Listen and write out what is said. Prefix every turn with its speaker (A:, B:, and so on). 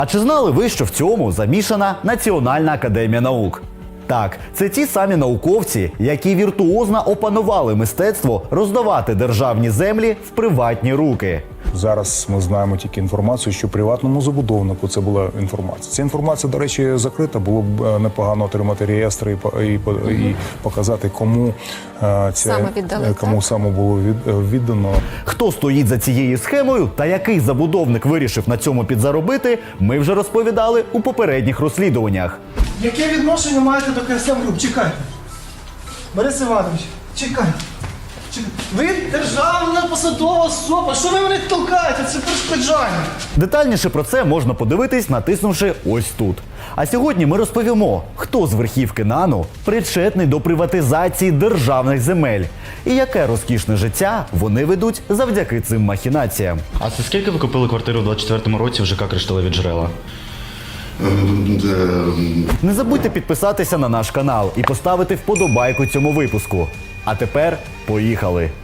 A: А чи знали ви, що в цьому замішана Національна академія наук? Так, це ті самі науковці, які віртуозно опанували мистецтво роздавати державні землі в приватні руки.
B: Зараз ми знаємо тільки інформацію, що приватному забудовнику це була інформація. Ця інформація, до речі, закрита. Було б непогано отримати реєстри і показати, кому саме було віддано.
A: Хто стоїть за цією схемою та який забудовник вирішив на цьому підзаробити, ми вже розповідали у попередніх розслідуваннях.
C: Яке відношення маєте до КСМ груп? Чекайте. Борис Іванович, чекайте. Ви державна посадова особа. Що ви мене толкаєте? Це перешкоджання.
A: Детальніше про це можна подивитись, натиснувши ось тут. А сьогодні ми розповімо, хто з верхівки НАНу причетний до приватизації державних земель і яке розкішне життя вони ведуть завдяки цим махінаціям.
D: А це скільки ви купили квартиру в 24-му році в ЖК «Кришталеві джерела»?
A: Не забудьте підписатися на наш канал і поставити вподобайку цьому випуску. А тепер поїхали!